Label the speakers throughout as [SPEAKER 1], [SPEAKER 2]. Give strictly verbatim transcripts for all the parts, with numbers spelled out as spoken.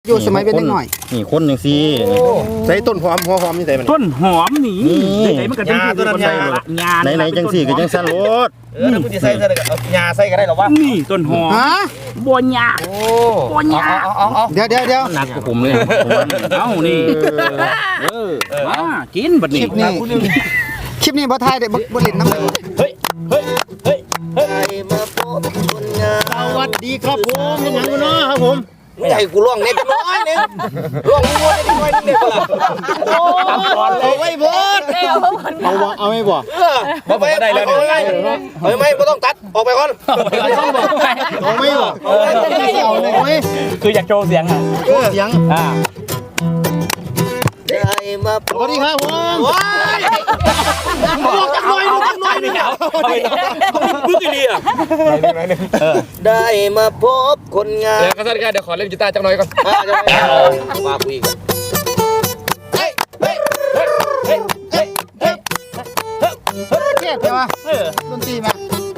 [SPEAKER 1] อยู่สมัยเป็นเด็กหน่อย
[SPEAKER 2] นี่คนอย่างซี่ใส่ต้นหอมหัวหอมนี่ใส่มัน
[SPEAKER 3] ต้นหอมนี่ใส่มันก็จังซี่ต้นยางา
[SPEAKER 2] ไหนๆจังซี่ก็จังสั่นโลด
[SPEAKER 4] เออถ้ามึงจะใส่ใส่เอายาใส่ก็ได้หรอวะ
[SPEAKER 3] นี่ต้นหอม
[SPEAKER 1] ฮะ
[SPEAKER 3] บัวยา
[SPEAKER 4] โอ้
[SPEAKER 3] บัวยา
[SPEAKER 1] เดี๋ยวเดี๋ยวเดี๋ยว
[SPEAKER 2] หนักกว่าผมเลย
[SPEAKER 3] เอ้านี่เออมากินบัดนี้
[SPEAKER 1] คลิปนี้คลิปนี้บ่ทายได้บ่บ่เล่นน้ำเลย
[SPEAKER 4] เฮ้ยเฮ้ยเฮ้ยเฮ้ยมาพบคนงาม
[SPEAKER 2] สวัสดีครับผมเป็นหยังเนาะครับผม
[SPEAKER 4] ไม่ให้กูร้องเน็ตน้อยนึงร้องงัวได้น้อยนึงเด็กละโอ้เอาไว้เบิด
[SPEAKER 2] เอาบ่เอาไม่บ่
[SPEAKER 4] เออบ่ไปได้แล้วนี่เฮ้ยไม่บ่ต้องตัดออกไปก่อน
[SPEAKER 2] เอาไม่บ่เอาเลย
[SPEAKER 3] คืออยากโชว์เสียงอ่ะ
[SPEAKER 2] โชว์เสียง
[SPEAKER 3] อ่า
[SPEAKER 4] ได้มาส
[SPEAKER 2] วัสดีครับผม
[SPEAKER 4] ว้ายบอกจักหน่อยดูจักหน่อยนี่เอาบึ้งอีนี่อ่ะได้มาพบคนงาม
[SPEAKER 5] เดี๋ยวก็สั้นๆเดี๋ยวขอเล่นกีตาร์จักหน่อยก่อน
[SPEAKER 4] อ่าจะไปมาคุยกันเฮ้ยเฮ้ยเฮ้ยเฮ้ยเฮ้ยเฮ้ยเฮ้ย
[SPEAKER 1] เครียดใช่ป่ะดนตรีมา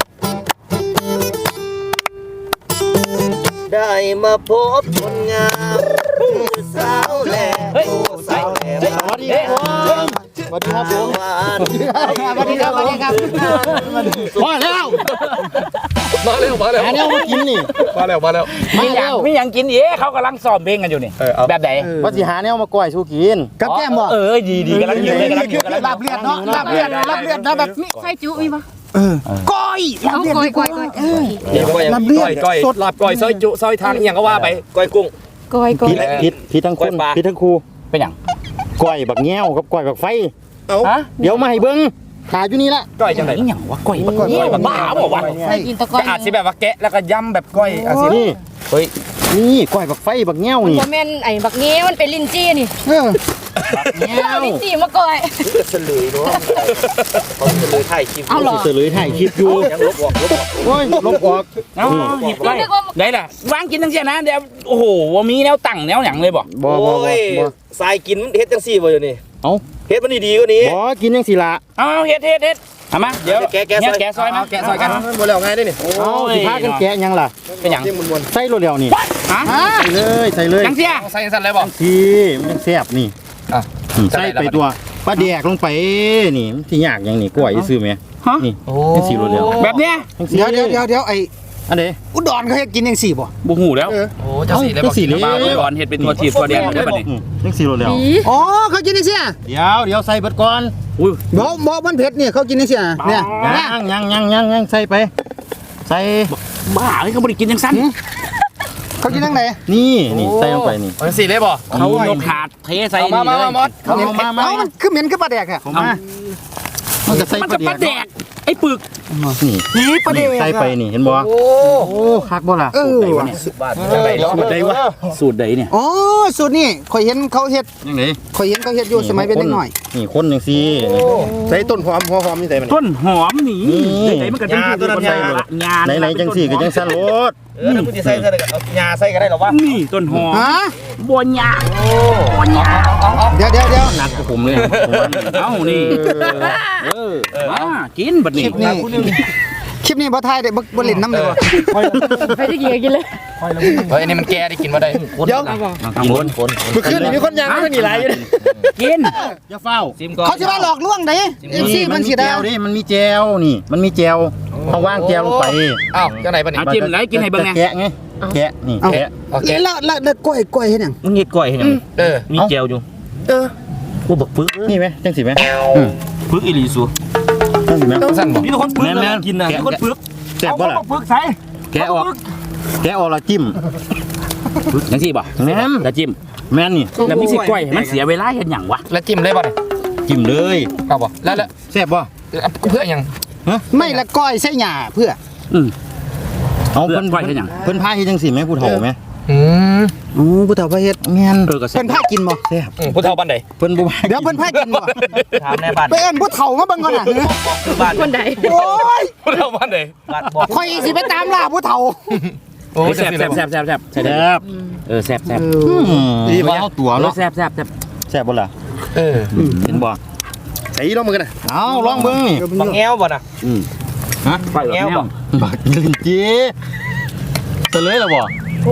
[SPEAKER 4] ได้มาพบคนงามสาวแหล่สาวแหล่
[SPEAKER 2] สวัสดีครับผมสวัสดีครับผม
[SPEAKER 1] สวัสดีครับสวัสดีครับ
[SPEAKER 2] มาแล้ว
[SPEAKER 5] มาเร็วมาเร็ว
[SPEAKER 2] หาแนวมากินนี่
[SPEAKER 5] มาเร็วมาเร็ว
[SPEAKER 3] มีหยังมีหยังกินเอ๊ะเขากำลังซ้อมเพลงกันอยู่นี่แบบไหน
[SPEAKER 2] ว่าสิหาแนวมาก้อยสู้กิน
[SPEAKER 1] กับแก้มบ่
[SPEAKER 3] เออดีดีกำลังอยู่เลยกำลังอยู่กำลัง
[SPEAKER 1] ลาบเลือดเนาะลาบเลือดลาบเลือดนะแบบมี
[SPEAKER 6] ใส่จุมีปะ
[SPEAKER 1] เออก้อยลาบเลือดก้อยก้อยเออ
[SPEAKER 5] เดี๋ยวก้อยก้อยก้อยลาบก้อยซอยจุซอยทางอย่างก็ว่าไป
[SPEAKER 4] ก้อยกุ้ง
[SPEAKER 6] ก้อยก้อย
[SPEAKER 2] ผิดผิดทั้งคนผิดทั้งครู
[SPEAKER 3] เป็นหยัง
[SPEAKER 2] ก้อยบักแง้วกับก้อยบักไฟ
[SPEAKER 3] ฮะ
[SPEAKER 2] เดี๋ยวมาให้เบิ้งขาอยู่นี่ละ
[SPEAKER 5] ก้อยจังไหน
[SPEAKER 3] นี่หยังวะก้อยก้อยบ้าบอกว่า
[SPEAKER 6] ใส่กินตะก้อย
[SPEAKER 5] อาจสิแบบว่าแกะแล้วก็ย่ำแบบก้อยอาจสิ
[SPEAKER 2] นี่
[SPEAKER 5] เฮ้ย
[SPEAKER 2] นี่ก้อยบักไฟบักแง้วนี่
[SPEAKER 6] โมเมนไอ้บักเงี้ยมันเป็นลิ้นจี้นี่
[SPEAKER 1] เออ
[SPEAKER 2] แง้ว
[SPEAKER 6] ลิ้นจี้มาก้อย
[SPEAKER 4] เฉลยเนาะเขาเฉลยถ่ายคลิป
[SPEAKER 6] เอาหรอ
[SPEAKER 2] เฉลยถ่ายคลิปอยู่
[SPEAKER 4] ยังลบออกลบออก
[SPEAKER 2] โอ้ยลบออก
[SPEAKER 3] เอาหยิบก้อยได้ล่ะวางกินทั้งเสียนะเดี๋ยวโอ้โหว่ามีแนวตั้งแนวหยังเลยบ่
[SPEAKER 2] บ่บ่บ่
[SPEAKER 4] โอ้ย
[SPEAKER 2] บ่
[SPEAKER 4] สายกินเฮ็ดจังซี่บ่อยู่นี่
[SPEAKER 2] เอ้า
[SPEAKER 4] เฮ็ดมันดีๆกว่านี้
[SPEAKER 2] บ่กินยังสิละ
[SPEAKER 3] เอาเฮ็ดเฮ็ดเฮ็ดทำมาเดี๋ยว
[SPEAKER 4] แกะแกะ
[SPEAKER 3] เนี่ย
[SPEAKER 4] ซอย
[SPEAKER 3] แกะซอยมาแกะซอยกัน
[SPEAKER 5] บ่แล้วง่ายได้นี่
[SPEAKER 2] เอ้าสิพากันแกะยังล่ะ
[SPEAKER 3] เป็นหยัง
[SPEAKER 2] ใส่รถเดียวนี่
[SPEAKER 3] ฮะ
[SPEAKER 2] ใส่เลยใส่เลย
[SPEAKER 3] จังเสีย
[SPEAKER 5] ใส่สั่นเลยบ่
[SPEAKER 2] ทีมันยังแซ่บนี่
[SPEAKER 5] อ่ะ
[SPEAKER 2] อืมใส่ไปตัวปลาแดกลงไปนี่มันสิยากหยังนี่กล้วยซื้อไหม
[SPEAKER 3] ฮะ
[SPEAKER 2] นี่จังสิรถเดียว
[SPEAKER 3] แบบเนี้ย
[SPEAKER 1] เดี๋ยวเดี๋ยวเดี๋ยวเดี๋ยวไอ้
[SPEAKER 2] อันใด
[SPEAKER 1] อุดรเขาเฮ็ดกินจังซี่บ่
[SPEAKER 3] บ่ฮู้แล้ว
[SPEAKER 5] โอ้จังสีเลยบ่
[SPEAKER 2] จังสิเลย
[SPEAKER 3] บ้าไปก่อนเฮ็ดเป็นตัวทีบตัวแดงเด้อบัดนี้
[SPEAKER 2] อืมจังสิรถเดียว
[SPEAKER 1] อ๋อเขากินจังซี่
[SPEAKER 2] เดี๋ยวเดี๋ยวใส่เบิดก่อน
[SPEAKER 3] อุ้ย
[SPEAKER 1] บ่บ่มันเผ็ดนี่เขากินจังซี่เนี่ย
[SPEAKER 2] ยังยังยังยังยังใส่ไป ใส่
[SPEAKER 3] บ้าเฮ้ยเขาบ่ได้กินจังซั่น
[SPEAKER 1] เขากินจังได๋
[SPEAKER 2] นี่นี่ใส่ลงไปนี่
[SPEAKER 5] จังสีเลยบ่
[SPEAKER 3] เขายกถาดเทใส่
[SPEAKER 5] มา
[SPEAKER 3] นี่
[SPEAKER 5] มา
[SPEAKER 3] เลย
[SPEAKER 5] มามด
[SPEAKER 2] เอามามา
[SPEAKER 1] เอ้ามันคือเหม็นคือปลาแดกอ่ะ
[SPEAKER 2] เอามามันจะใส่
[SPEAKER 3] มัน
[SPEAKER 2] ป
[SPEAKER 3] จะ
[SPEAKER 2] ลา
[SPEAKER 3] ปลา
[SPEAKER 2] แด
[SPEAKER 3] แด
[SPEAKER 2] ก
[SPEAKER 3] กไอ้ปึก
[SPEAKER 2] นี่
[SPEAKER 1] นี่ปลาแดก
[SPEAKER 2] ใส่ไปนี่เห็นบ่
[SPEAKER 4] โอ้
[SPEAKER 2] โอ้คักบ่ล่ะ
[SPEAKER 1] เออ
[SPEAKER 4] สิบบาทจังได๋
[SPEAKER 3] สูตรใดวะสูตรใดเนี่ย
[SPEAKER 1] อ๋อสูตรนี่ข่อยเห็นเขาเฮ็ด
[SPEAKER 2] ยังไง
[SPEAKER 1] ข่อยเห็นเขาเฮ็ดอยู่สมัยเป็นเด็กหน่อย
[SPEAKER 2] นี่คนจังซี่ใส่ต้นหอมหัวหอมนี่ใส่มัน
[SPEAKER 3] ต้นหอมนี่ไหนมันก็จังซี่ต้นยา
[SPEAKER 2] ไหนๆจังซี่ก็จังสั่นโลด
[SPEAKER 4] เออถ้ามึงจะใส่ใส่เอายาใส่ก็ได้หรอวะ
[SPEAKER 3] นี่ต้นหอม
[SPEAKER 1] ฮะ
[SPEAKER 3] บัวยา
[SPEAKER 4] โอ้
[SPEAKER 3] บัวยา
[SPEAKER 1] เดี๋ยวเดี๋ยวเดี๋ยว
[SPEAKER 2] หนักกว่าผมเลย
[SPEAKER 3] เอ้านี่เออมากินบัดนี้
[SPEAKER 1] คลิปนี้คลิปนี้บ่ทายได้บ่บ่เล่นน้ำเลยว่ะ
[SPEAKER 6] ไปได้กี่กินเลย
[SPEAKER 5] เฮ้ยอันนี้มันแก่ได้กินบ่ได้
[SPEAKER 1] เดี๋ยว
[SPEAKER 3] ทางบน
[SPEAKER 5] เมื่อคืนมีคนยังไม่มีไรอยู่
[SPEAKER 3] กิน
[SPEAKER 2] อย่าเฝ้า
[SPEAKER 4] ซิมก่อน
[SPEAKER 1] เขาสิว่าหลอกลวงได้เอฟซีมันสิ
[SPEAKER 2] แจ
[SPEAKER 1] ได้
[SPEAKER 2] วดิมันมีแจวนี่ มันมีแจวต้องว่างแจวลงไป
[SPEAKER 5] อ้าวจังไหนปะนี่
[SPEAKER 3] เอาจิ้มไหนกินให้เบิ่งไง
[SPEAKER 2] แกะไงแกะนี่แกะ
[SPEAKER 5] โอเค
[SPEAKER 1] แล้วแล้วแล้วกล้วยกล้วยเฮ็ดหยัง
[SPEAKER 3] มึงเฮ็ดก้อยให้หยัง
[SPEAKER 5] เออ
[SPEAKER 3] มีแจวอยู่
[SPEAKER 1] เออ
[SPEAKER 3] กูบักปึก
[SPEAKER 2] นี่ไหมจังสิไหมอืม
[SPEAKER 3] ปึกอีหลีสู
[SPEAKER 2] จังสิไหม
[SPEAKER 5] สั่นบ่
[SPEAKER 3] มีคนปึกแล้วกินน่ะมีคนปึก
[SPEAKER 2] แซ่บบ่ล่ะ
[SPEAKER 3] ปึกใส่
[SPEAKER 2] แกะออกแกะออกแล้วจิ้ม
[SPEAKER 3] จังซี่บ่
[SPEAKER 2] แม่น
[SPEAKER 3] แล้วจิ้ม
[SPEAKER 2] แม่นนี่
[SPEAKER 3] แล้วมีสิก้อยให้มันเสียเวลาเฮ็ดหยังวะ
[SPEAKER 5] แล้วจิ้มเลยบ่นี่
[SPEAKER 2] จิ้มเลย
[SPEAKER 5] เอาบ่แล้วแล้ว
[SPEAKER 2] แซ่บบ่
[SPEAKER 5] เพื่อยัง
[SPEAKER 1] ไม่ละก้อยใส่หญ้าเพื่อ
[SPEAKER 3] อืม
[SPEAKER 2] เอา
[SPEAKER 3] เพื่
[SPEAKER 2] เพิ่
[SPEAKER 3] อน
[SPEAKER 2] น
[SPEAKER 3] ก้อยเฮ็ดหยัง
[SPEAKER 2] เพิ่นพาเฮ็ดจังสิไหมผู้เฒ่าไหม
[SPEAKER 5] อืม
[SPEAKER 1] อ๋อผู้เฒ่าพาเฮ็ด
[SPEAKER 2] แม่น
[SPEAKER 3] เออก็แซ่
[SPEAKER 1] เพิ่
[SPEAKER 3] บ
[SPEAKER 1] นพากินบ่
[SPEAKER 2] แซ่บ
[SPEAKER 5] ผู้เฒ่าบ้านใด
[SPEAKER 2] เพิ่นบ่
[SPEAKER 1] เดี๋ยวเพิ่นพากินบ่
[SPEAKER 4] ถามในบ้าน
[SPEAKER 1] ไปเอิ้นผู้เฒ่ามาเบิ่งก่อนน่ะ
[SPEAKER 4] บ้าน
[SPEAKER 6] คนใด
[SPEAKER 1] โอ้ย
[SPEAKER 5] ผู้เฒ่าบ้านใด
[SPEAKER 4] บ้านบอก
[SPEAKER 1] ข่อยสิไปตามล่าผู้เฒ่า
[SPEAKER 5] โอ้
[SPEAKER 3] แซ่บแซ่บแซ่บแซ่บแซ่บ
[SPEAKER 2] แซ่บ
[SPEAKER 3] เออแซ่บแซ่บ
[SPEAKER 2] อืมดีบ่เอาตัว
[SPEAKER 3] เออ
[SPEAKER 2] เนาะ
[SPEAKER 3] แซ่บแซ่บแซ่บ
[SPEAKER 2] แซ่บบ่ล่ะ
[SPEAKER 5] เออ
[SPEAKER 2] เห็นบ่
[SPEAKER 5] ไอ้ลองมือกันนะ
[SPEAKER 2] เอาลองเบิ่งนี่
[SPEAKER 4] บังแง้วบ่น่ะ
[SPEAKER 3] อืม
[SPEAKER 2] ฮะ
[SPEAKER 3] ก้อยแบบแนว
[SPEAKER 2] บักลิ้นจีเฉลยแล้วบ่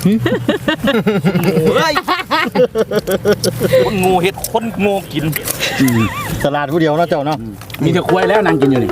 [SPEAKER 4] เฮ้ยคนงูเฮ็ดคนโง่กิน
[SPEAKER 2] สลัดผู้เดียวเนาะเจ้าเนาะ
[SPEAKER 3] มีแต่ควายแล้วนางกินอยู่นี่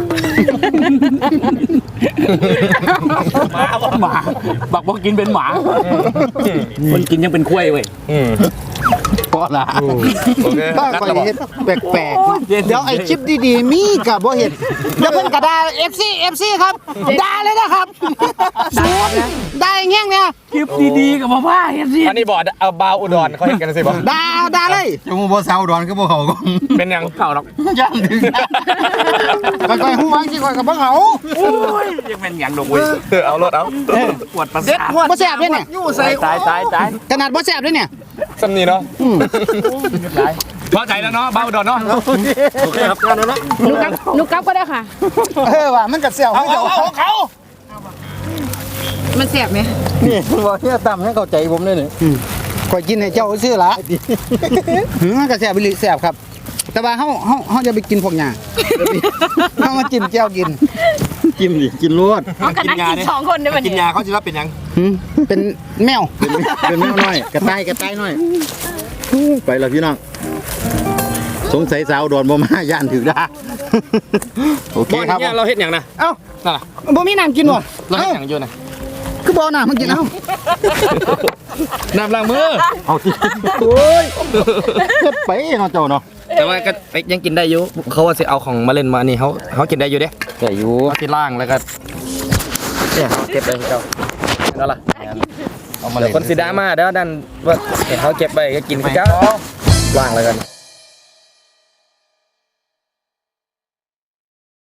[SPEAKER 4] หมาบ่
[SPEAKER 3] หมาบักบอกกินเป็นหมาคนกินยังเป็นควายเว้ย
[SPEAKER 2] เพราะล่ะ
[SPEAKER 5] โอเค
[SPEAKER 1] บ้าข่อยเฮ็ดแปลกๆเดี๋ยวไอ้คลิปดีๆมีก็บ่เฮ็ดเดี๋ยวเพิ่นก็ด่า เอฟ ซี เอฟ ซี ครับด่าเลยนะครับสูดด่าอย่างเงี้ยเนี่ย
[SPEAKER 3] คลิปดีๆกับพ่อพ่าเฮ็ดสิ
[SPEAKER 5] อันนี้บอดเอาบาวอุดรเขาเห็นกันสิบ่
[SPEAKER 1] ด่าด่าเลย
[SPEAKER 2] จะมูบ่เซาดอนคือบ่เขาก็
[SPEAKER 5] เป็นยัง
[SPEAKER 3] เข่าหรอก
[SPEAKER 2] ย่างถึง
[SPEAKER 1] ค่อยๆฮู้วางสิค่อยก็บ่เขา
[SPEAKER 3] โอ้ยยังเป็นอย่างดอกเว้ย
[SPEAKER 5] เอารถเอา
[SPEAKER 3] ปวดประ
[SPEAKER 1] เด็ด
[SPEAKER 3] สาท
[SPEAKER 1] หัวบ่แซ่บเลยเนี่ย
[SPEAKER 3] ตายตายตาย
[SPEAKER 1] ขนาดบ่แซ่บเลยเนี่ย
[SPEAKER 5] สำนีเนาะ
[SPEAKER 3] พอใจแล้วเนาะบ้าอุดรเนาะ
[SPEAKER 4] โอเคครับ
[SPEAKER 6] หนูกลับหนูกลับก็ได้ค่ะ
[SPEAKER 1] เออว่ะมันก็แซ่บ
[SPEAKER 3] เอา
[SPEAKER 1] คือ
[SPEAKER 3] เอา
[SPEAKER 1] เจ้า
[SPEAKER 3] เอาเขา
[SPEAKER 6] มันแสบไหม
[SPEAKER 2] นี่บ่เฮียตำให้เข้าใจผมเลยนี่
[SPEAKER 1] ข่อยกินให้เจ้าซื่อละหือมันก็แซ่บอีหลีแซ่บครับ แต่ว่าเฮาเฮาเฮาจะไปกินพวกหญ้าเฮามาจิ้มแจ่วกิน
[SPEAKER 2] จิ้มดิกินรวด
[SPEAKER 6] เอากันนั่งกินสองคนได้ไหม
[SPEAKER 5] กินยาเขาจะว่าเป็นยัง
[SPEAKER 1] หืมเป็นแมว
[SPEAKER 2] เป็นแมวน้อยกระต่ายกระต่ายน้อยไปแล้วพี่น้องสงสัยสาวดอนบ่มาย่านถือด่าโอเคครับ
[SPEAKER 5] เนี่ยเราเห็นอย่างนะ
[SPEAKER 1] เอ้า
[SPEAKER 5] นั่นล่ะ
[SPEAKER 1] บ่มีน้ำกินบ่
[SPEAKER 5] เราเห็
[SPEAKER 1] เอ้าน
[SPEAKER 5] อย่างอยู่นะ
[SPEAKER 1] คือบ่เอาน้ำมากินเอ้า
[SPEAKER 5] น้ำล้างมือ
[SPEAKER 2] เอาที่โอ้ยเฮ็ดไปเนาะเจ้าเนาะ
[SPEAKER 5] แต่ว่าก็ยังกินได้อยู่เขาว่าสิเอาของมาเล่นมานี่เขาเขากินได้อยู่เด้
[SPEAKER 2] แต่อยู่
[SPEAKER 5] เขาที่ล่างแล้วก็เนี่ยเก็บไปให้เจ้านั่นล่ะ
[SPEAKER 2] เอามา
[SPEAKER 5] เดี๋
[SPEAKER 2] เล่
[SPEAKER 5] ยวน คนสีดรามาเด้อดันว่าเห็นเขาเก็บไปก็กินไปเจ้าล่างแล้วกัน